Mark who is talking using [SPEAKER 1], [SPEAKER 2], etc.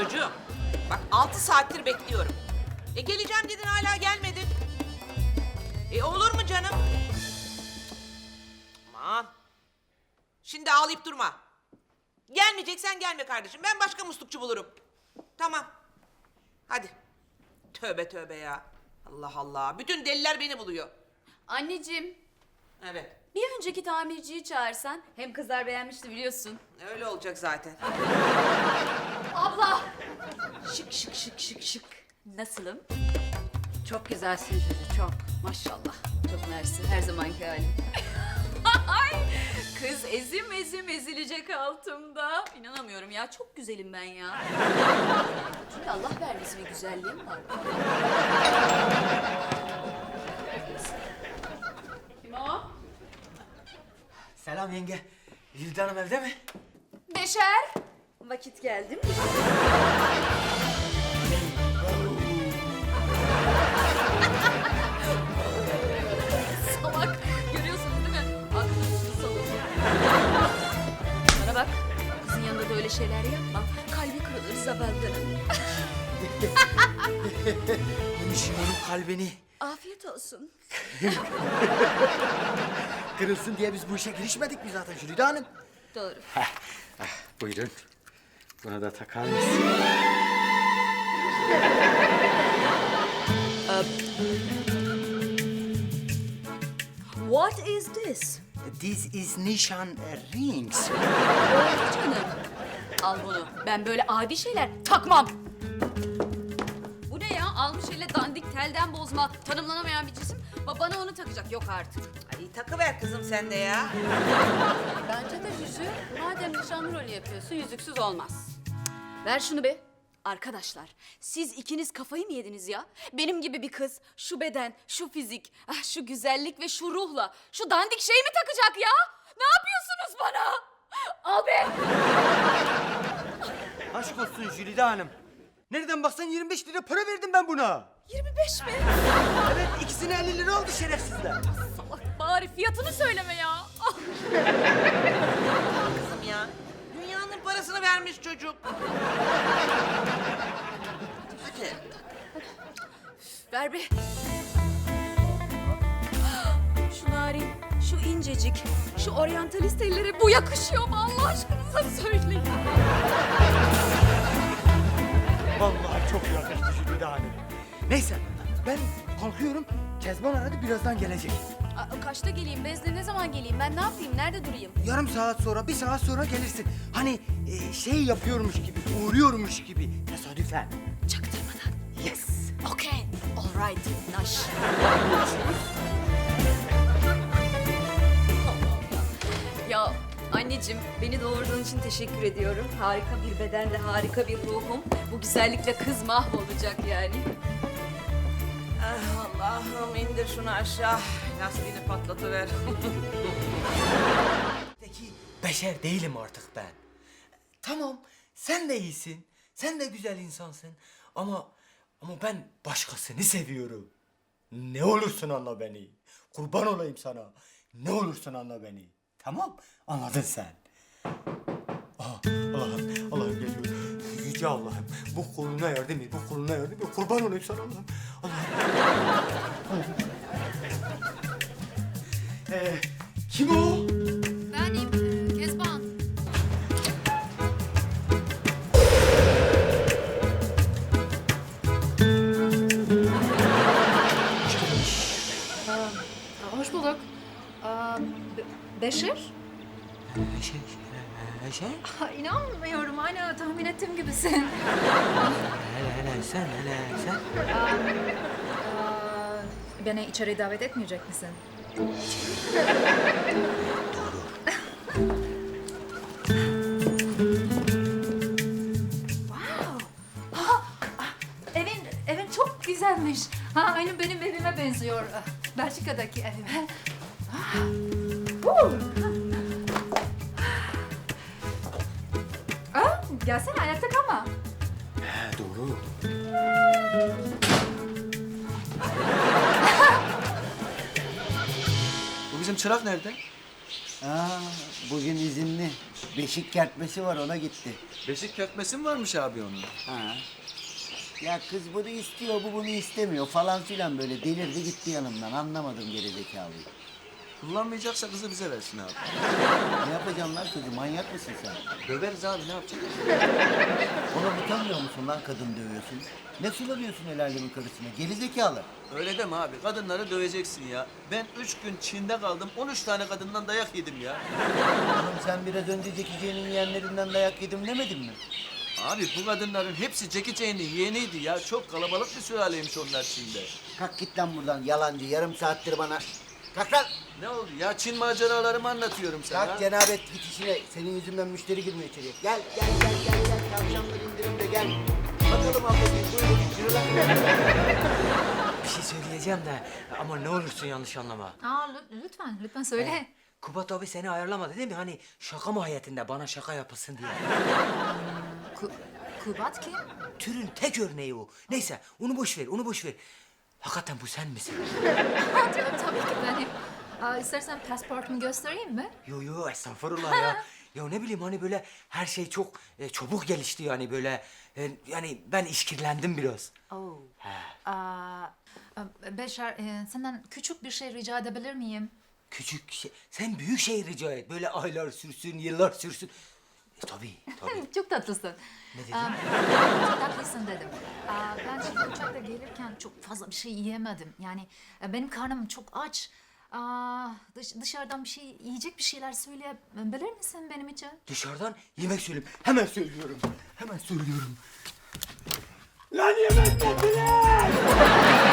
[SPEAKER 1] Çocuğum, bak 6 saattir bekliyorum. Geleceğim dedin hala gelmedin. Olur mu canım? Aman. Şimdi ağlayıp durma. Gelmeyeceksen gelme kardeşim. Ben başka muslukçu bulurum. Tamam. Hadi. Tövbe tövbe ya. Allah Allah. Bütün deliler beni buluyor.
[SPEAKER 2] Anneciğim,
[SPEAKER 1] Evet.
[SPEAKER 2] bir önceki tamirciyi çağırsan. Hem kızlar beğenmişti biliyorsun.
[SPEAKER 1] Öyle olacak zaten.
[SPEAKER 2] Abla! Şık şık şık şık şık. Nasılım?
[SPEAKER 3] Çok güzelsin Jüri, çok.
[SPEAKER 2] Maşallah. Çok mersi. Her zamanki halim. Ay, kız ezim ezim ezilecek altımda. İnanamıyorum ya. Çok güzelim ben ya. Çünkü Allah vergisi bir güzelliğim var. Kim o?
[SPEAKER 4] Selam yenge. Jülide Hanım evde mi?
[SPEAKER 2] Beşer. Vakit geldi mi? Salak. Görüyorsunuz değil mi? Aklınızı salın. Bana bak. Kızın yanında da öyle şeyler yapma. Kalbi kırılır zavallının.
[SPEAKER 4] Yemişim kalbini.
[SPEAKER 2] Afiyet olsun.
[SPEAKER 4] Kırılsın diye biz bu işe girişmedik mi zaten Jülide Hanım?
[SPEAKER 2] Doğru.
[SPEAKER 4] Buyurun. Buna da takar mısın?
[SPEAKER 2] What is this?
[SPEAKER 4] This is nişan rings.
[SPEAKER 2] Oldu canım. Al bunu. Ben böyle adi şeyler takmam. Bu ne ya? Almış elle dandik telden bozma. Tanımlanamayan bir cisim. Bana onu takacak. Yok artık.
[SPEAKER 1] Ay takıver kızım sen de ya.
[SPEAKER 2] Bence de Jüjü. Madem nişanlı rolü yapıyorsun yüzüksüz olmaz. Ver şunu be. Arkadaşlar, siz ikiniz kafayı mı yediniz ya? Benim gibi bir kız, şu beden, şu fizik, şu güzellik ve şu ruhla, şu dandik şeyi mi takacak ya? Ne yapıyorsunuz bana? Al be!
[SPEAKER 4] Aşk olsun Jülide Hanım. Nereden baksan 25 lira para verdim ben buna.
[SPEAKER 2] 25 mi?
[SPEAKER 4] Evet, ikisine 50 lira oldu şerefsizler.
[SPEAKER 2] Salak, bari fiyatını söyleme ya. Ah!
[SPEAKER 1] Kızım ya. Dünyanın parasını vermiş çocuk. Hadi.
[SPEAKER 2] Ver be. Şu narin, şu incecik, şu oryantalist ellere bu yakışıyor mu Allah aşkınıza söyleyin.
[SPEAKER 4] Vallahi çok yakıştı Jülide Hanım. Neyse, ben kalkıyorum. Kezban aradı, birazdan gelecek.
[SPEAKER 2] Kaçta geleyim? Bezle ne zaman geleyim? Ben ne yapayım? Nerede durayım?
[SPEAKER 4] Yarım saat sonra, bir saat sonra gelirsin. Hani şey yapıyormuş gibi, uğruyormuş gibi. Tesadüfen.
[SPEAKER 2] Çaktırmadan.
[SPEAKER 4] Yes.
[SPEAKER 2] Okay. All right. Naş. Ya anneciğim beni doğurduğun için teşekkür ediyorum. Harika bir bedenle harika bir ruhum. Bu güzellikle kız mahvolacak yani.
[SPEAKER 1] Ah, Allah'ım indir şunu aşağı. Lastiğini patlatıver.
[SPEAKER 4] Peki beşer değilim artık ben. Tamam, sen de iyisin. Sen de güzel insansın. Ama ben başkasını seviyorum. Ne olursun anla beni. Kurban olayım sana. Ne olursun anla beni. Tamam, anladın sen. Aha, Allah'ım geliyor. Yüce Allah'ım, bu koluna yardım et, bu koluna yardım et. Kurban olayım sana Allah'ım. Allah'ım. Kim o?
[SPEAKER 2] Benim Kezban.
[SPEAKER 3] Hoş bulduk. Beşir?
[SPEAKER 4] Şey?
[SPEAKER 3] İnanmıyorum, aynı tahmin ettiğim gibisin.
[SPEAKER 4] Hele sen.
[SPEAKER 3] Beni içeri davet etmeyecek misin? Wow. Evin çok güzelmiş. Aynı benim evime benziyor. Belçika'daki evime. Gelsene, ayakta kalma.
[SPEAKER 4] Doğru. Bu bizim çırak nerede?
[SPEAKER 5] Aa, bugün izinli. Beşik kertmesi var, ona gitti.
[SPEAKER 6] Beşik kertmesi mi varmış abi onun?
[SPEAKER 5] Ha. Ya kız bunu istiyor, bu bunu istemiyor falan filan böyle delirdi gitti yanımdan. Anlamadım gerizekalıyı.
[SPEAKER 6] Kullanmayacaksa kızı bize versin abi.
[SPEAKER 5] Ne yapacağım lan kızı, manyak mısın sen?
[SPEAKER 6] Döveriz abi, ne yapacağız?
[SPEAKER 5] Ona utanmıyor musun lan kadın dövüyorsun? Ne sulanıyorsun el alemin karısına, gerizekalı?
[SPEAKER 6] Öyle deme abi, kadınları döveceksin ya. Ben 3 gün Çin'de kaldım, 13 tane kadından dayak yedim ya.
[SPEAKER 5] Oğlum sen biraz önce Zeki C'nin yeğenlerinden dayak yedim demedin mi?
[SPEAKER 6] Abi bu kadınların hepsi Jackie Chan'in yeğeniydi ya. Çok kalabalık bir sülaleymiş onlar Çin'de.
[SPEAKER 5] Kalk git lan buradan yalancı, yarım saattir bana. Kalk lan!
[SPEAKER 6] Ne oldu ya? Çin maceralarımı anlatıyorum sana.
[SPEAKER 5] Kalk cenabet git işine. Senin yüzünden müşteri girmiyor içeriye. Gel. Tavşanları indirimde gel. Bakalım ablacığım buyurun. Yürü lan.
[SPEAKER 4] Bir şey söyleyeceğim de ama ne olursun yanlış anlama.
[SPEAKER 3] Aa, lütfen söyle.
[SPEAKER 4] Kubat abi seni ayarlamadı değil mi? Hani şaka mahiyetinde bana şaka yapılsın diye.
[SPEAKER 3] Kubat kim?
[SPEAKER 4] Türün tek örneği o. Neyse onu boş ver. Hakikaten bu sen misin?
[SPEAKER 3] Tabii ki benim. İstersen pasaportumu göstereyim mi?
[SPEAKER 4] Yo estağfurullah ya. Ya ne bileyim hani böyle her şey çok çabuk gelişti yani böyle. Yani ben işkillendim biraz.
[SPEAKER 3] Oo.
[SPEAKER 4] He.
[SPEAKER 3] Beşer, senden küçük bir şey rica edebilir miyim?
[SPEAKER 4] Küçük şey. Sen büyük şey rica et. Böyle aylar sürsün, yıllar sürsün. Tabii.
[SPEAKER 3] Çok tatlısın.
[SPEAKER 4] Ne dedin?
[SPEAKER 3] Çok tatlısın dedim. Ben şimdi uçakta gelirken çok fazla bir şey yiyemedim. Yani benim karnım çok aç. Dışarıdan bir şey, yiyecek bir şeyler söyleyebilir misin benim için?
[SPEAKER 4] Dışarıdan yemek söyleyeyim. Hemen söylüyorum. Lan yemek getirin!